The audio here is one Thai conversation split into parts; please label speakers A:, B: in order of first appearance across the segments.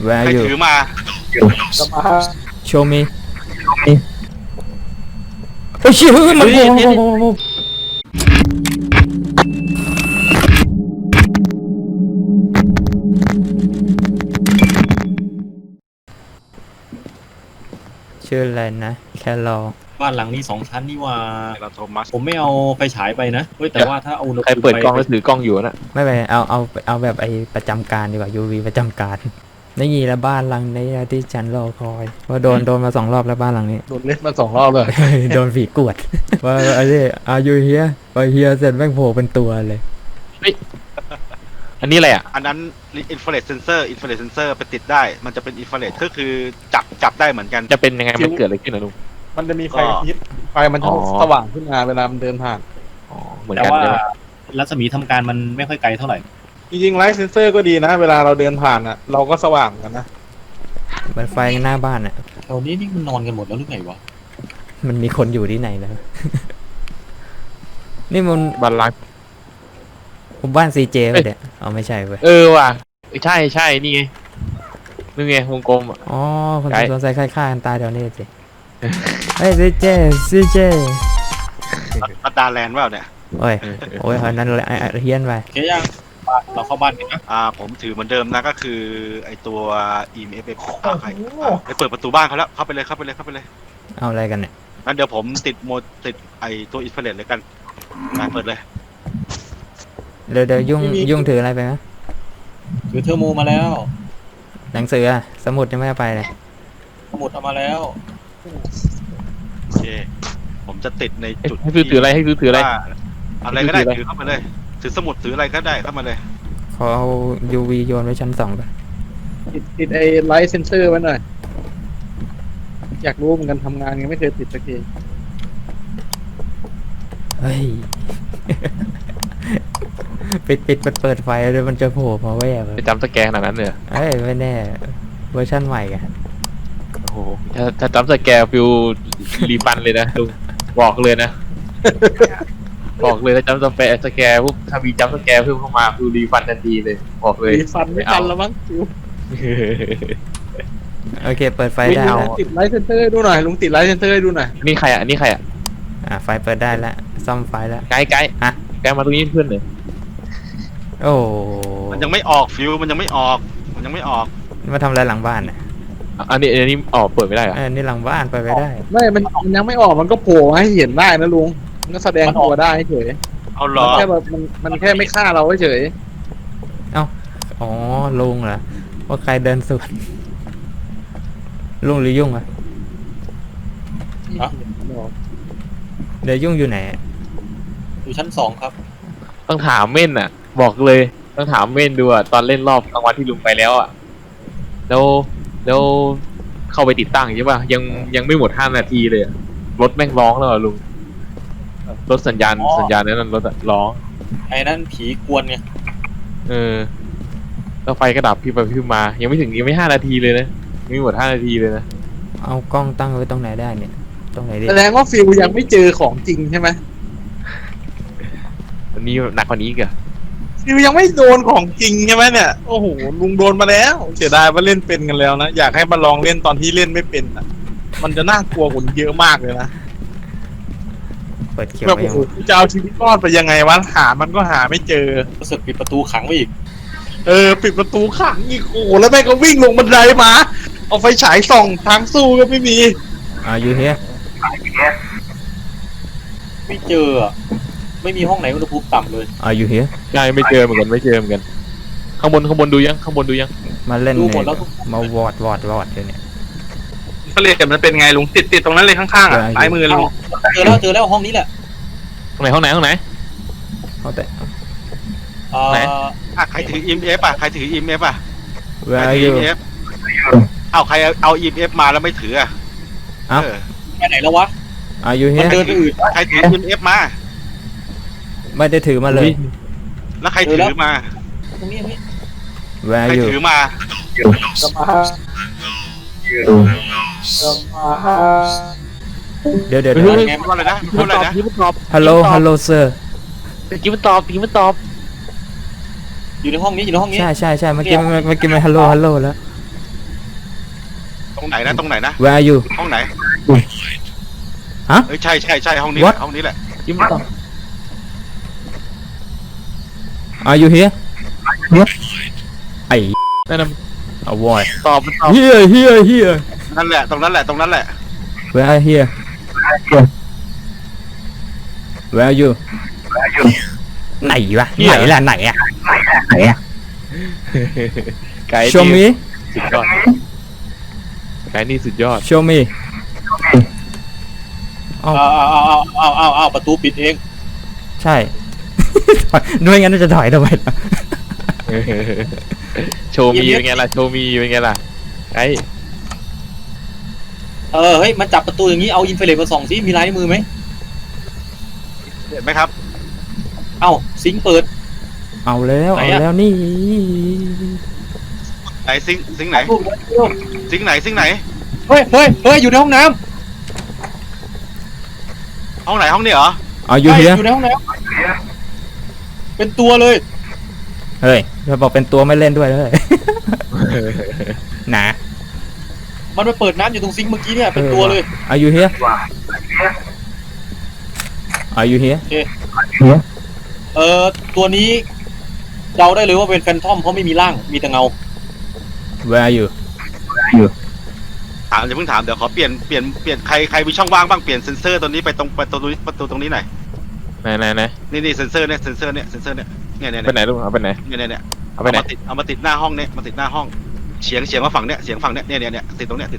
A: Where
B: ใคร
A: are you
B: ถือมา
A: Show me เฮ้ยชื่อมันโผล่ชื่ออะไรนะแคลอ
C: บ้านหลังนี้2 ชั้นนี่ว่า
B: เราโทมัส
C: ผมไม่เอาไฟฉายไปนะเฮ้ยแต่ว่าถ้าเอาอุณห
D: ใคร
C: ภูมิ
D: เปิดกล้อง
C: ไป
D: แล้วถือกล้องอยู่น่ะ
A: ไม่ไปเอาแบบไอ้ประจำการดีกว่า UV ประจำการนี่ละบ้านหลังนี้ที่ฉันรอคอยว่าโดนมา2 รอบแล้วบ้านหลังนี้
E: โดนเล่นมา2 รอบเลย
A: โดนผีกวดว่าไอ้นี่อายุเฮียไปเฮียเสร็จแม่งโผล่เป็นตัวเลย
D: อันนี้อะไรอ่ะ
B: อันนั้นอินฟราเรดเซนเซอร์ไปติดได้มันจะเป็นอินฟราเรดก็คือจับได้เหมือนกัน
D: จะเป็นยังไงมันเกิดอะไรขึ้นนะลุง
E: มันจะมีไฟกระพริบไฟมันจะสว่างขึ้นมาเวลามันเดินผ่าน
D: อ๋อเหมือน
C: แต่
D: กัน
C: ว่า
D: ใช่ไหม
C: รัศมีทำการมันไม่ค่อยไกลเท่าไหร่
E: จริงๆไลท์เซนเซอร์ก็ดีนะ เวลาเราเดินผ่านอ่ะ เราก็สว่างกันนะ
A: เหมือนไฟหน้าบ้านอ่ะ
C: แถวนี้นี่มันนอนกันหมดแล้วหรือไงวะ
A: มันมีคนอยู่ที่ไหนแล้ว นี่มัน
D: บ้านล้าง
A: ผมบ้าน CJ ไปเด็ดเอาไม่ใช่เว้ย
D: ว่ะใช่นี่ไงนี่ไงวงกลมอ่ะ
A: อ๋อคน
D: ไกล
A: สนใจฆ่ากันตายแถวนี้สิเฮ้ย CJ
B: อัดดาแลนด์ว่าเนี่ย
A: โอ้ยอันนั้นเฮี้ยนไป
C: โอเคยังเราเข้าบ้านกันนะ
B: ผมถือเหมือนเดิมนะก็คือไอตัว EMF ไปเปิดประตูบ้านเขาแล้วเข้าไปเลย
A: เอาอะไรกันเนี่ย
B: งั้นเดี๋ยวผมติดไอตัวอินฟราเรดเลยกันมาเปิดเลย
A: เดี๋ยวยุ่งถืออะไรไปไหม
C: ถือเทอร์โมมาแล้ว
A: หนังสืออะสมุดยังไม่เอาไปเลย
C: สมุดเอามาแล้ว
B: โอเคผมจะติดในจุด
D: ให้ถืออะไร
B: ว่าอะไรก็ได้ถือเข้ามาเลยถือสมุดถืออะไรก็ได้เข้ามาเลย
A: ขอเอา UV โยนไว้ชั้น2ไป
E: ติดไอ้ไลท์เซนเซอร์ไว้หน่อย อยากรู้เหมือนกันทำงานยังไม่เคยติดสักที
A: เฮ้ย เปิดไฟเลยมันจะโผล่มาแวบ
D: ไปจำสแกนขนาดนั้นเลย
A: เอ้ยไม่แน่เวอร์ชันใหม่กัน
D: โอ้โหถ้าจำสแกนฟิวรีฟันเลยนะลุงบอกเลยนะ บอกเลยถ้าจำสแกนปุ๊บถ้ามีจำสแกนเพิ่มเข้ามาฟิวรีฟันทันทีเลยบอกเลย
E: มีฟันไม่ทันแล้วมั้งฟิว
A: โอเคเปิดไฟได้แล้ว
E: ติดไลท์เซนเซอร์ให้ดูหน่อยลุงติดไลท์เซนเซอร์ให้ดูหน่อย
D: นี่ใครอ่ะนี่ใครอ่ะ
A: ไฟเปิดได้แล้วซ่อมไฟแล้ว
D: ไกด์
A: ฮะ
D: ไกด์มาตรงนี้เพื่อนเลย
A: โอ้
B: มันยังไม่ออกฟิวมันยังไม่ออก
A: มาทำอะไรหลังบ้านน่ะ
D: อันนี้เปิดไม่ได้เหรอ
A: นี่หลังบ้านเปิดไปได้
E: ไม่มันยังไม่ออกมันก็โผล่ให้เห็นได้นะลุงมันก็แสดงตัวได้เฉย
B: เอาหรอ
E: แค่แบบมันแค่ไม่ฆ่าเราเฉย
A: อ๋อลุงเหรอว่าใครเดินสวนลุงหรือยุ่งอะเดี๋ยวยุ่งอยู่ไหน
C: อยู่ชั้น2ครับ
D: ต้องถามเม่นอ่ะ บอกเลยต้องถามเม่นดูอ่ะตอนเล่นรอบกลางวันที่ลุงไปแล้วอ่ะแล้วเข้าไปติดตั้งใช่ป่ะยังไม่หมด5 นาทีเลยอะรถแม่งร้องแล้วอะลุงรถสัญญาณนั้นรถอะร้อง
C: ไอ้นั่นผีกวนไง
D: แล้วไฟก็ดับพี่ไปพี่มายังไม่5 นาทีเลยนะยังไม่หมด5 นาทีเลยนะ
A: เอากล้องตั้งไว้ตรงไหนได้เนี่ยตรงไหนดี
E: แสดงว่าฟิลยังไม่เจอของจริงใช่ไหม
D: อันนี้หนักกว่านี้อีกอะ
E: ฟิลยังไม่โดนของจริงใช่ไหมเนี่ยโอ้โหลุงโดนมาแล้วเสียดายว่าเล่นเป็นกันแล้วนะอยากให้มาลองเล่นตอนที่เล่นไม่เป็นอ่ะมันจะน่ากลัวกว่านี้เยอะมากเลยนะ
A: เปิดเขียว
E: แบบ
A: ไว้
E: โอ้
A: ยัง
E: โหจะเอาชีวิตรอดไปยังไงวะหามันก็หาไม่เจอ
C: รู้สึกปิดประตูขังไว้อีก
E: ปิดประตูขังอีกโอ้โหแล้วแม่งก็วิ่งลงบันไดมาเอาไฟฉายส่องทางสู้ก็ไม่มี
A: อยู่เฮีย
C: ไม่เจออะไม่มีห้องไหนอุณหภูมิต่ำเลย
A: อยู่เฮีย
D: ใช่ไม่เจอเหมือนกันข้างบนดูยัง
A: มาเล่น
C: ดู
A: เนี่
C: หมด
A: ย
C: แล้ว
A: มาวอดเลยเนี่ย
E: เขาเรียกกันมันเป็นไงลุงติดตรงนั้นเลยข้างๆอ่ะซ้ายมือลุง
C: เจอแล้วห้องนี้แหละ
D: ห้องไหน
A: เอาแต่
D: ไหน
B: ใครถือ EMF ใครถือ EMF
A: เวลาอยู่
B: เอาใครเอา EMF มาแล้วไม่ถือ
A: 啊
C: ไปไหนแล้ววะ
A: อยู่เฮี
C: มัน
A: ย
C: เดินไปอื่น
B: ใครถือ EMF มา
A: ไม่ได้ถือมาเลย
B: แล้วใครถือมา
C: ตรงนี้
A: เวลา
B: ใคร
A: อยู่
B: ถือมา
A: เดี๋ยว
B: ไงว่าอะไรนะพูดอะไรนะ
A: ฮัลโหลเซอร์
D: ผีมันตอบ
C: อยู่ในห้องนี้
A: ใช่เมื่อกี้มันฮัลโหลแล้ว
B: ตรงไหนนะตรงไหนนะ
A: Where are you
B: ห้องไหน
A: ฮะ
B: เอ้ยใช่ใช่ใช่ห้องนี้
A: What?
B: ห้องนี้แหละ
D: ยิ้มต่อ
A: Are you here ไอ้
D: นั่นน่ะ
A: avoid
D: ตอบตอบ
A: here
B: นั่นแหละตรงนั้นแหละตรงนั้นแหละ
A: Where are here Where are you ไหนวะไหนล่ะไหนอะ
D: ไก่
A: Show
D: นี่
A: me
D: สุดยอดไก่นี่สุดยอด
A: Show me
C: เอาประตูปิดเอง
A: ใช่ ด้วยงั้นจะถอยทำไมล่ะ
D: โชว์มีเป็นไงล่ะโชว์มีเป็นไงล่ะไอ้
C: เฮ้ยมันจับประตูอย่างนี้เอาอินฟราเรดมาส่องซิมีลายนิ้วมือไหม
B: เห็นไหมครับ
C: เอ้าซิงค์เปิด
A: เอาแล้ว
C: ไหน
A: เอา
C: อะ
A: แล้วนี่
B: ไหนซิงค์ไหน
C: รูปไว้เร็ว
B: ซิงค์ไหนซิงค์ไหน
C: เฮ้ยอยู่ในห้องน้
B: ห้องไหนห้องนี้เหรอ
A: เอา
C: ำ
A: you
C: ใช่
A: here
C: อยู่ในห้องน้ำเป็นตัวเลย
A: เฮ้ยเราบอกเป็นตัวไม่เล่นด้วยเลย หนา
C: มันมาเปิดน้ำอยู่ตรงซิงค์เมื่อกี้เนี่ยเป็นตัวเลย
A: Are you here Are you here
C: ตัวนี้เดาได้เลยว่าเป็นแฟนทอมเพราะไม่มีร่างมีแต่เงา
A: Where are you
B: ถามอย่าเพิ่งถามเดี๋ยวขอเปลี่ยนใครมีช่องว่างบ้างเปลี่ยนเซนเซอร์ตัวนี้ไปตรงประตูตรงนี้หน่อย
D: ไหน
B: นี่เซนเซอร์เนี่ยเนี่ย
D: ไปไหนลูกเอาไปไหน
B: เนี่ย
D: เอาไปไหน
B: เอามาติดหน้าห้องเนี่ยมาติดหน้าห้องเฉียงมาฝั่งเนี่ยเฉียงฝั่งเนี่ยติดตรงเนี้ย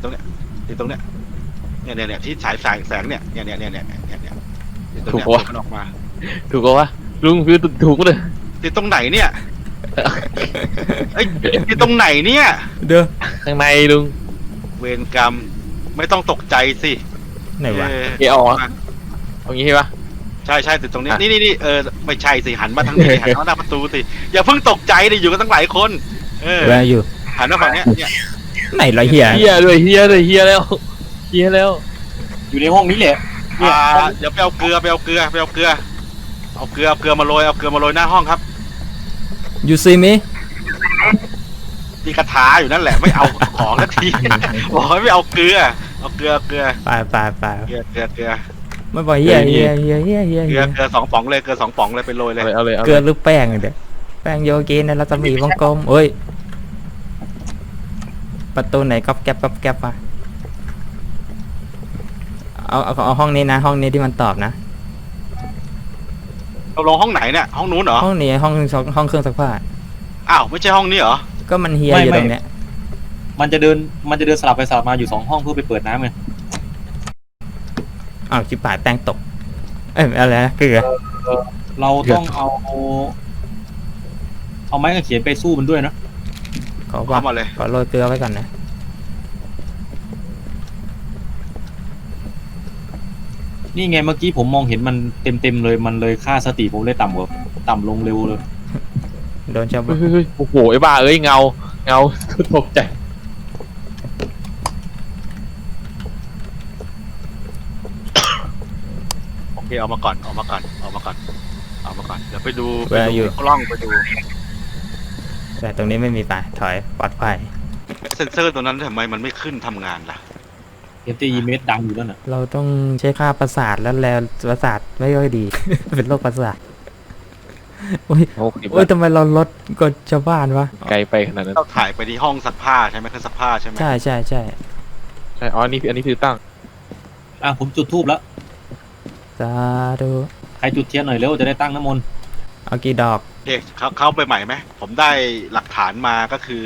B: เนี่ยที่ฉายแสงเนี่ยติดตรงเนี้ยมันออกมา
D: ถูกปะวะลุงคือถูกเลย
B: ติดตรงไหนเนี่ยเอ้ยติดตรงไหนเนี่ย
A: เด้อ
D: ข้างในลุง
B: เวรกรรมไม่ต้องตกใจสิ
A: ไหนวะ
D: เอออกตรงนี้ใช่ปะ
B: ใช่ติดตรงนี้นี่ไม่ใช่สิหันมาทางนี้หันมาหน้าประตูสิอย่าเพิ่งตกใจดิอยู่กันตั้งหลายคน
A: Where are you
B: หันมาฝั่งเนี้ยเนี่ย
A: ไหนละเฮีย
D: เฮียด้วยเฮียแล้วเฮียแล้ว
C: อยู่ในห้องนี้แหละเนี่ย
B: เดี๋ยวไปเอาเกลือมาโรยหน้าห้องครับ
A: You see me
B: มีกระทาอยู่นั่นแหละไม่เอาของสักที บอกให้ไม่เอาเกลือเกลือ
A: ไป ไม่บอกเฮีย
B: เกลือ2 ป๋องเลยเกลือ2 ป๋องเลยไปโรยเลย
D: เอาเลย
A: เกลือหรือแป้งเดี๋ยวแป้งโยเกนในรัศมีวงกลมเอ้ยประตูไหนก๊อบแก๊บมาเอาห้องนี้นะห้องนี้ที่มันตอบนะ
B: เราลงห้องไหนเนี่ยห้องนู้นเหรอ
A: ห้องนี้ห้องเครื่องซักผ้า
B: อ้าวไม่ใช่ห้องนี้เหรอ
A: ก็มันเฮียอยู่ตรงเนี้ย
C: มันจะเดินสลับไปสลับมาอยู่2 ห้องเพื่อไปเปิดน้ำไง
A: อ้าวชิบหายแป้งตกอะไรนะเกลือ
C: เราต้องเอาไม้กางเขนไปสู้มันด้วยนะ
A: ขอ
B: เข้ามาเลย
A: โรยเกลือไว้ก่อนนะ
C: นี่ไงเมื่อกี้ผมมองเห็นมันเต็มเลยมันเลยค่าสติผมเลยต่ำลงเร็วเลย
A: โดนชาวบ้าน
D: เฮ้ยโอ้โหไอ้บ้าเอ้ยเงาตกใจ
B: โอเคเอามาก่อนเดี๋ยวไปดูกล้องไปดู
A: แต่ตรงนี้ไม่มีป่ะถอยปลอดภัย
B: เซนเซอร์ตัวนั้นทำไมมันไม่ขึ้นทำงานล่ะ
C: FTE ดังอยู่แล้วน่ะ
A: เราต้องใช้ค่าประสาทแล้วประสาทไม่ค่อยดี เป็นโรคประสาทโอ้ยทำไมเราลดกว่าชาวบ้านวะ
D: ไกลไปขนาดนั้น
B: เราถ่ายไปที่ห้องซักผ้าใช่ไหมเครื่องซักผ้าใช่ไหม
A: ใช่
D: ใช่อ๋ออันนี้คือตั้ง
C: ผมจุดธูปแล้ว
A: สาธุ
C: ใครจุดเทียนหน่อยเร็วจะได้ตั้งน้ำมนต์
A: เอากี่ดอก
B: โอเคเข้าไปใหม่ไหมผมได้หลักฐานมาก็คือ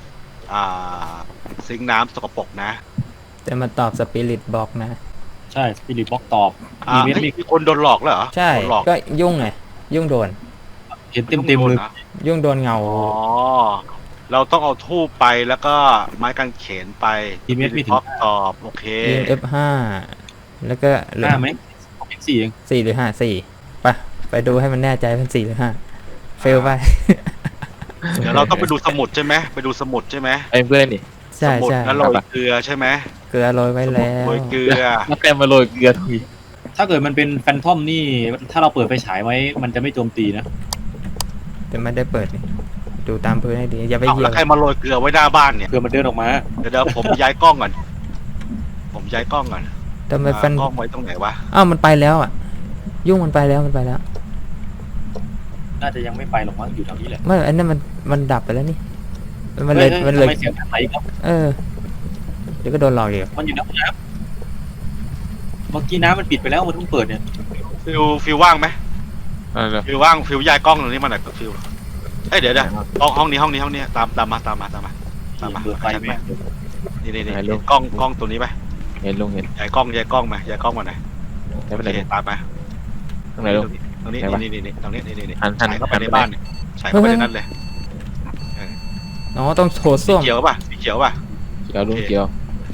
B: ซิงค์น้ำสกปรกนะ
A: แต่มาตอบสปิริตบอกนะ
C: ใช่สปิริตบล็อกตอบ
B: มีคนโดนหลอกแล้วเหรอ
A: ใช่
B: โดนหลอก
A: ก็ยุ่งไงยุ่งโดน
C: เห็นเต็มเลย
A: ยุ่งโดนเงา
B: อ๋อเราต้องเอาทูบไปแล้วก็ไม้กางเขนไปท็อปตอบโอเค
A: ยิง F5 แล้วก็เหลือ
C: 5ไหมเป็น4เอง
A: 4หรือ5 4ไปดูให้มันแน่ใจเป็น4หรือ5เฟลไป
B: เดี๋ยวเราต้องไปดูสมุดใช่ไหมไปดูสมุดใช่ไหม
D: ไอ้เพื่อนนี่
A: ใช่
B: สมุด
A: ใช่
B: แล้วโรยเกลือใช่ไหม
A: เกลือโรยไว้แล้ว
B: โรยเกลือ
D: แล้วแกมาโรยเกลือทุย
C: ถ้าเกิดมันเป็นแฟนทอมนี่ถ้าเราเปิดไฟฉายไว้มันจะไม่โจมตีนะ
A: แต่ไม่ได้เปิดนี่ดูตามพื้นให้ดีอย่าไป
B: เอ้า
A: เหยีย
B: แล้
A: บ
B: วใครมาโรยเกลือไว้หน้าบ้านเนี่ย
C: เพื่อมันเดินออกมา
B: เดี๋ยวผมย้ายกล้องก่อนผมย้ายกล้องก่อน
A: ทำไมฟัน
B: กล้องไว้ตรงไหนวะ
A: อ้าวมันไปแล้วอ่ะ ยุ่งมันไปแล้วมันไปแล้ว
C: น่าจะยังไม่ไปหรอกมั้งอยู่แถวนี้แหละ
A: ไม่อันนั้นมันดับไปแล้วนี่มันเลย
C: ฮ้
A: มันเลย
C: ทำไมเสียงไหลครับ
A: เออเดี๋ยวก็โดนหลอกอีก
C: มันอยู่ในห้องน้ำเมื่อกี้น้ำมันปิดไปแล้วมันเพิ่งเปิดเนี่ย
B: ฟิวว่างไหม
D: อะไร
B: ฟิวว่างฟิวย้ายกล้องตรงนี้มาหน่อยฟิวเอ้ยเดี๋ยวห้องนี้ตามมา
C: เปิดไฟไหม
B: นี่กล้องตัวนี้ไป
D: เห็นลุงเห็น
B: ย้ายกล้องมาหน่อย
D: ไม่เป็น
B: โอ
D: ไร
B: เค
D: ลุง
B: ตามมา
D: ตรงไหนลุง
B: ตรงนี้
D: ไหนวะ
B: นี่ตรงนี้นี่
D: หัน
B: ใส่เข้าไป
D: หัน
B: ในบ้านเนี่ยใส่เข้าไปในนั้นเลย
A: อ๋อต้องโถ
B: สี
A: ส้วม
B: เขียวป่ะ
D: เกี่ยวลุงเกี่ยว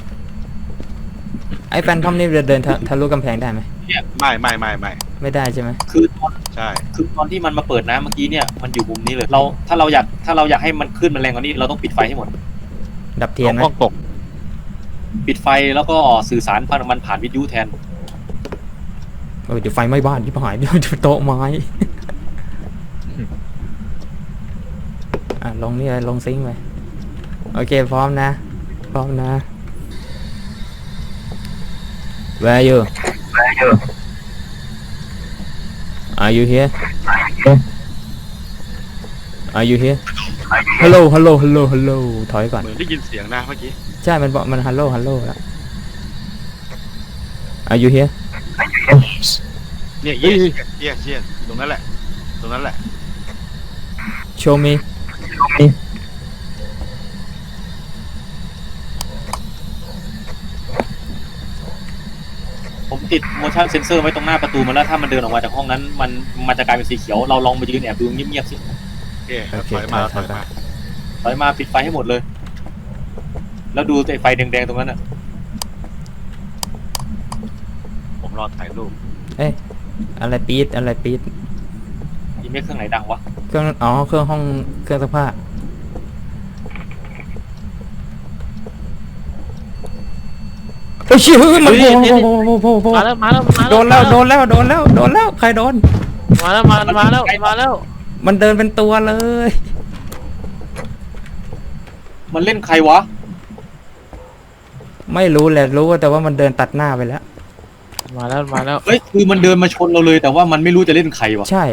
A: ไอ้แฟนทอมนี่เดินทะลุกำแพงได้ไหม
B: ไม่
A: ไม่ได้ใช่ไหม
C: คือตอน
B: ใช่
C: คือตอนที่มันมาเปิดน้ำเมื่อกี้เนี่ยมันอยู่มุมนี้เลยเราถ้าเราอยากให้มันขึ้นมันแรงกว่านี้เราต้องปิดไฟให้หมด
A: ดับเทียนไหม
D: กล้องตก
C: ปิดไฟแล้วก็สื่อสารมันผ่านวิทยุแทน
A: เดี๋ยวไฟไหม้บ้านที่หายเดี๋ยวโต๊ะไม้ ลงนี่เลยลงซิงค์ไปโอเคพร้อมนะ Where are you Are you here Are you here Hello ถอยก่อน
B: เหมือนได้ยินเสียงนะเมื่อกี้
A: ใช่มันบอกมัน Hello แล้ว Are you here
B: เนี่ยเยี่ยตรงนั้นแหละ
A: Show me
C: ผมติด motion sensor ไว้ตรงหน้าประตูมันแล้วถ้ามันเดินออกมาจากห้องนั้นมันจะกลายเป็นสีเขียวเราลองมายืนแอบดูเงียบๆสิ
B: โอเคถอยมา
C: ถอยมาปิดไฟให้หมดเลย แล้วดูไอ้ไฟแดงๆตรงนั้นอ่ะ
B: ผมรอถ่ายรูป
A: อะไรปี๊ด
C: อีเมฆเครื่องไหนดังวะ
A: เครื่องเครื่องห้องเครื่องซักผ้าเฮ้ยชื่อมันโผล่
D: มาแล้ว
A: โดนแล้วใครโดน
D: มาแล้ว
A: มันเดินเป็นตัวเลย
C: มันเล่นใครวะ
A: ไม่รู้แหละรู้แต่ว่ามันเดินตัดหน้าไปแล้ว
D: มาแล้ว
C: เฮ้ยคือมันเดินมาชนเราเลยแต่ว่ามันไม่รู้จะเล่นใครวะ
A: ใช่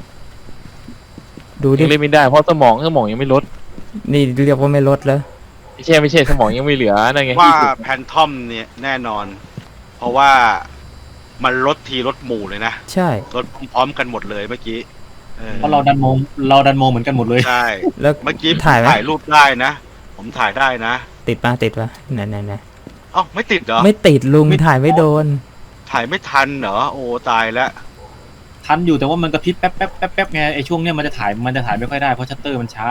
A: ดูดิ
D: ยังเล่นไม่ได้เพราะสมองยังไม่ลด
A: นี่เรียกว่าไม่ลดแล้ว
D: ไม่ใช่สมองยังไม่เหลือนั่นไง
B: ว่าแพนทอมเนี่ยแน่นอน เพราะว่ามันลดทีลดหมู่เลยนะ
A: ใช่
B: ลดพร้อมกันหมดเลยเมื่อกี้เออ
C: เพราะเราดันมองเหมือนกันหมดเลย
B: ใช่
A: แล้ว
B: เมื่อกี้
A: ถ่ายไหม
B: ถ่ายรูปได้นะ ผมถ่ายได้นะ
A: ติดปะไหน
B: เอ้าไม่ติดเหรอ
A: ไม่ติดลุงถ่ายไม่โดน
B: ถ่ายไม่ทันเหรอโอ้ตายแล้ว
C: ทันอยู่แต่ว่ามันกระพริบแป๊บไงไอ้ช่วงเนี้ยมันจะถ่ายไม่ค่อยได้เพราะชัตเตอร์มันช้า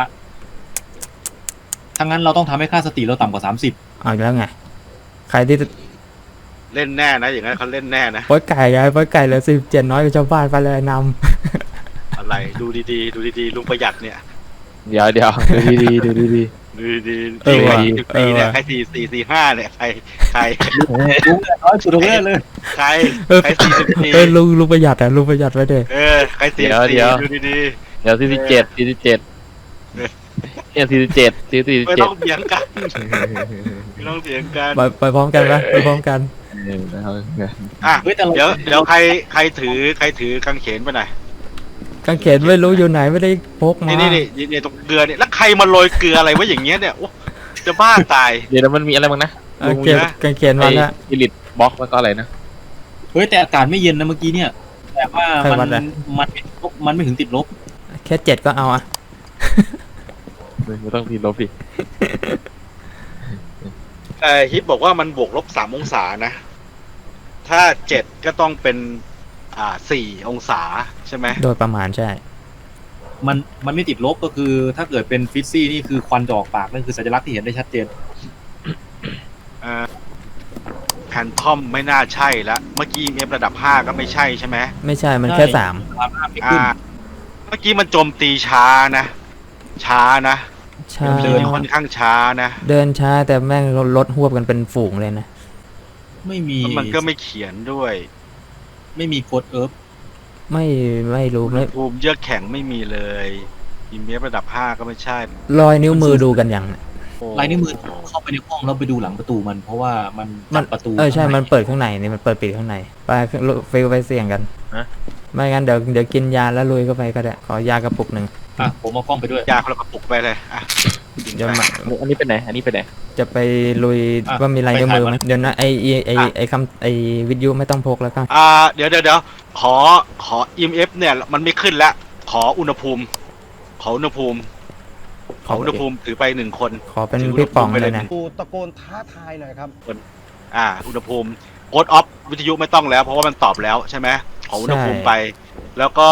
C: ถ้างั้นเราต้องทำให้ค่าสติเราต่ำกว่า30
A: เอาอีกแล้วไงใครที่
B: เล่นแน่นะอย่างนั้นเขาเล่นแน่นะ
A: ป้อยไก่เหลือ17น้อยกว่าชาวบ้านไปเลยน
B: อะไรดูดีลุงประหยัดเนี่ย
D: เดี๋ยวดูดี
B: ดูดีปีเนี่ยใคร445เนี่ยใคร
C: ลุงน้อยสุดเลย
B: ใคร44
A: ลุงประหยัดไว้เด้
B: ใคร44ดูดี
D: เดี๋ยว47เนี่ย47
B: ไม่ต้องเถียงกันไม่ต้องเถียงกัน
A: ไปพร้อมกันปะไปพร้อมกัน
B: อ่ะ
C: เฮ้ยแต่เรา
B: เดี๋ยวใครถือกางเขนไปไหน
A: กางเขนไม่รู้อยู่ไหนไม่ได้พกมา
B: นี่ตรงเกลือเนี่ยแล้วใครมาโรยเกลืออะไรวะอย่างเงี้ยเนี่ยโอ้จะบ้าตาย
D: เดี๋ยวมันมีอะไรบ้างนะ
A: กางเขนมาแล้ว
D: อิลิทบล็อกแล้วก็อะไรนะ
C: เฮ้ยแต่อากาศไม่เย็นนะเมื่อกี้เนี่ยแต่ว่า
A: ใครวัดอะ
C: มันไม่ถึงติดลบ
A: แค่7ก็เอาอะ
D: ไม่ต้องทีลบดิ
B: ฮิปบอกว่ามันบวกลบ3 องศานะ ถ้า7ก็ต้องเป็น4 องศาใช่ไหม
A: โดยประมาณใช่
C: มันไม่ติดลบก็คือถ้าเกิดเป็นฟิซซี่นี่คือควันจะออกปากนั่นคือสัญลักษณ์ที่เห็นได้ชัดเจน
B: แพนทอมไม่น่าใช่ละเมื่อกี้ EMF ระดับ5ก็ไม่ใช่ใช่ไหม
A: ไม่ใช่มันแค่
C: ใช่ ความห้ามไม่ขึ้น
B: เมื่อกี้มันโจมตีช้านะ
A: 3ช้า
B: เดินค่อนข้างช้านะ
A: เดินช้าแต่แม่งรถหวบกันเป็นฝูงเลยนะ
C: ไม่มี
B: แล้วมันก็ไม่เขียนด้วย
C: ไม่มีโค้ดเอิร์ฟ
A: ไม่รู้ไม่
B: ภูมิเยือกแข็งไม่มีเลย EMF ระดับ 5 ก็ไม่ใช่
A: รอยนิ้วมือดูกันยัง
C: ลายนิ้วมือเข้าไปในห้องแล้วไปดูหลังประตูมัน เพราะว่ามันจับประตู
A: ใช่มันเปิดข้างในนี่มันเปิดปิดข้างในไปฟิลไปเสี่ยงกัน
D: ฮะ
A: ไม่งั้นเดี๋ยวกินยาแล้วลุยเข้าไปก็ได้ขอยากระปุกหนึ่ง
C: อ่ะผมเอากล้องไปด้วย
B: ยาคนละกระปุกไปเลยอ่ะกิน
A: เดี๋ยว
B: ไป
A: มา
D: อันนี้เป็นไหนอันนี้เป็นไหน
A: จะไปลุย
C: อ่ะ
A: ว่ามีลายนิ้วมือไหม
C: ไปถ่ายมัน
A: เดี๋ยวนะไอคำไอวิทยุไม่ต้องพกแล้วก็
B: เดี๋ยวขอ EMF เนี่ยมันไม่ขึ้นแล้วขออุณหภูมิถือไป1 คน
A: ขอเป็นพี่ป๋องเลยนะ
F: กูตะโกนท้าทายหน่อยครับ
B: อุณหภูมิโค้ดออฟวิทยุไม่ต้องแล้วเพราะว่ามันตอบแล้วใช่ไหมขออุณหภูมิไป แล้วก็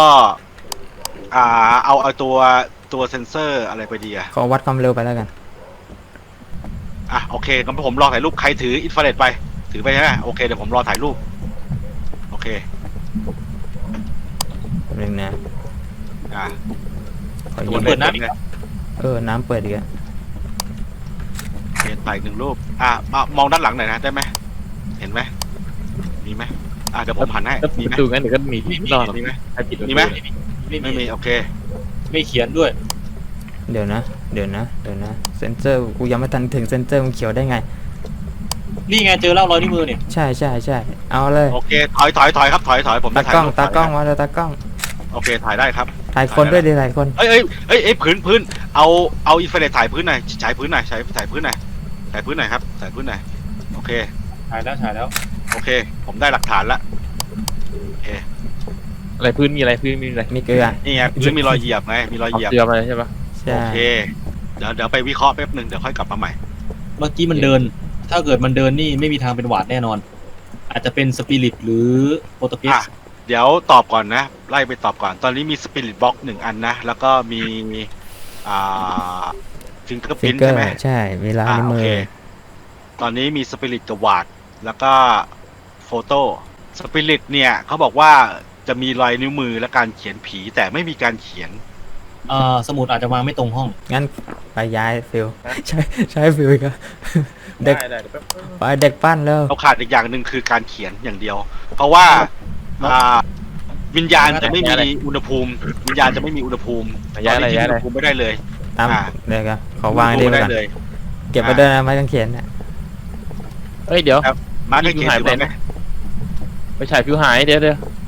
B: เอาตัวเซนเซอร์อะไรไปดีอะ
A: ขอวัดความเร็วไปแล้วกัน
B: โอเคงั้นผมรอถ่ายรูปใครถืออินฟราเรดไปถือไปใช่ไหมโอเคเดี๋ยวผมรอถ่ายรูปโอเค
A: แป๊บนึงนะ
B: อ่า
A: ขอ
B: ตั
A: ยิ
B: ว
A: ง
B: เปิดน้ำ
A: น้ำเปิดอีกแล้ว
B: เปลี่ยนถ่าย1 รูปมองด้านหลังหน่อยนะได้ไหมเห็นไหมมีไหมเดี๋ยวผมหันให้
D: ถ้า
B: มีไหม
D: ประตูงั้นเดี๋ยวก็มีที่รอดหรอก
B: มีไหม
D: ถ้าปิดประตู
B: มีไหม
C: ไม่
B: ไม่มีโอเค
C: ไม่เขียนด้วย
A: เดี๋ยวนะเซนเซอร์กูยังไม่ทันถึงเซนเซอร์มันเขียวได้ไง
C: นี่ไงเจอแล้วรอยนิ้วมือเนี่ย
A: ใช่เอาเลย
B: โอเคถอยครับถอยผม
A: ตา
B: จะถ่าย
A: กล้อง
B: รูป
A: ตากล้องมาเลยตากล้อง
B: โอเคถ่ายได้ครับ
A: ถ่ายคนด้วยดิถ่ายคน
B: เอ้ยพื้นเอาอินฟราเรดถ่ายพื้นหน่อยฉายพื้นหน่อยถ่ายพื้นหน่อยครับถ่ายพื้นหน่อยโอเค
C: ถ่ายแล้ว
B: โอเค ผมได้หลักฐานละโอเค
D: อะไรพื้นมีอะไรพื้นมีอะไร
A: มีเกลือ
B: นี่ไงพื้นมีรอยเหยียบไงมีรอย
D: เอา
B: เหยียบ
D: เกลือมาเลยใช่ปะ
A: ใช่
B: โอเคเดี๋ยวไปวิเคราะห์แป๊บหนึ่งเดี๋ยวค่อยกลับมาใหม่
C: เมื่อกี้มันเดิน ถ้าเกิดมันเดินนี่ไม่มีทางเป็นหวาดแน่นอน อาจจะเป็นสปิริตหรือโปรตุเกส
B: เดี๋ยวตอบก่อนนะไล่ไปตอบก่อนตอนนี้มีสปิริตบ็อก1 อันนะแล้วก็มีฟิงเกอร์
A: ฟิ
B: พิ
A: ก
B: น
A: เกอ
B: ใช่
A: ร์
B: ไหม
A: ใช่มีลายนิ้ว
B: โอ
A: มื
B: เค
A: อ
B: ตอนนี้มีสปิริตกับวาดแล้วก็โฟโต้สปิริตเนี่ยเขาบอกว่าจะมีรอยนิ้วมือและการเขียนผีแต่ไม่มีการเขียน
C: สมุดอาจจะวางไม่ตรงห้อง
A: งั้นไปย้ายฟิลใช้ฟิลอีกแล้วเด็กไปเด็กปั้นแล้ว
B: เราขาดอีกอย่างหนึ่งคือการเขียนอย่างเดียว เพราะว่าวิญญาณจะไม่มีอุณหภูมิวิญญาณจะไม่มีอุณหภูมิ
D: ย้ายอะไร
B: ตนนี้
D: ย้าย
B: ที่
D: อะไร
B: อุณหภูมิไม่ได้เลย
A: ตาม
B: อ่า
A: เดี๋ยวกันขอวางได้
B: อุณหภูมิไม่
A: ก่อน
B: ได้เลย
A: เก็บไปด้วยนะไม้กางเขนเนี่ย
D: เฮ้ยเดี๋ยว
B: มาร์กเขียน
D: หาย
B: ถือ
D: ไป
B: ว่า
D: ไหน
B: ไหม
D: ไปฉายผิวหายเดี๋ยว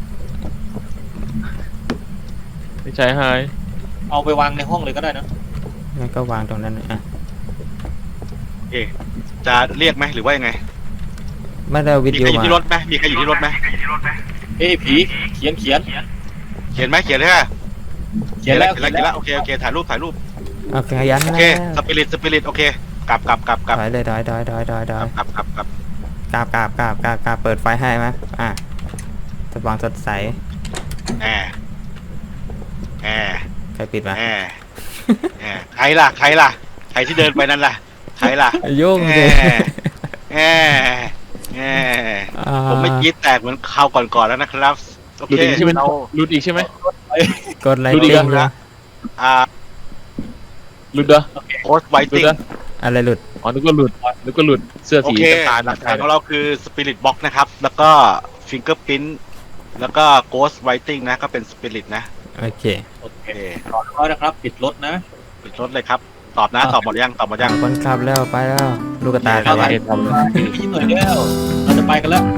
D: ไปฉายหาย
C: เอาไปวางในห้องเลยก็ได้นะ
A: งั้นก็วางตรงนั้นอ่ะ
B: โอเคจะเรียกไหมหรือว่ายังไง
A: ไม่ได้วิท
B: มี
A: ยุ
B: ใครอยู่
A: มา
B: ที่รถไหมมีใครอยู่ที่รถไหม
C: เอ้ยผีเขียน
B: เขียนไหมเขียนเลยค่ะ
C: เขียนแล้ว
B: เขียนแล้วโอเคถ่ายรูป
A: โอเคยัน
B: โอ
A: นะ
B: เคสปิริตโอเคกลับ
A: ถอยเลยถอย
B: กลับ
A: กราบเปิดไฟให้ไหมสว่างสดใส
B: แอร์
A: ใครปิดวะ
B: ใครล่ะใครที่เดินไปนั่นล่ะใครล่ะ
A: ยุ่งเลย
B: แผมไม่กรีดแตกเหมือนคราวก่อนๆแล้วนะครับโอ
D: หลุด
B: เค
D: อีกใช่ไหม
B: เรา
D: หลุดอีกใช่ไหม
A: กดไล
D: ดู
A: ค์
D: ดิ
A: ติ้ง
B: นะ
D: หลุดเหรอ
B: โพสต์ไว
D: หลุด
B: ติ้ง
D: เหรอ
A: อะไรหลุด
D: อ๋อนึกว่าหลุดเสื้อ
B: โอ
D: สี
B: เค
D: น้ำตาล
B: หลักฐานของเราคือสปิริตบ็อกนะครับ แล้วก็ฟิงเกอร์พิ้นแล้วก็โกสต์ไวติ้งนะก็เป็นสปิริตนะ
A: โอเค
C: โอเค
B: โอเค
C: รอนะครับ ปิดรถนะ
B: ปิดรถเลยครับตอบหมดยัง
A: คนขับแล้วไปแล้ว ลูกกระตา
B: โอเค
A: ขับ
D: ไป
A: ไว้
D: ทำเลย
C: พี่หน่อยแล้วเราจะไปกันแล้ว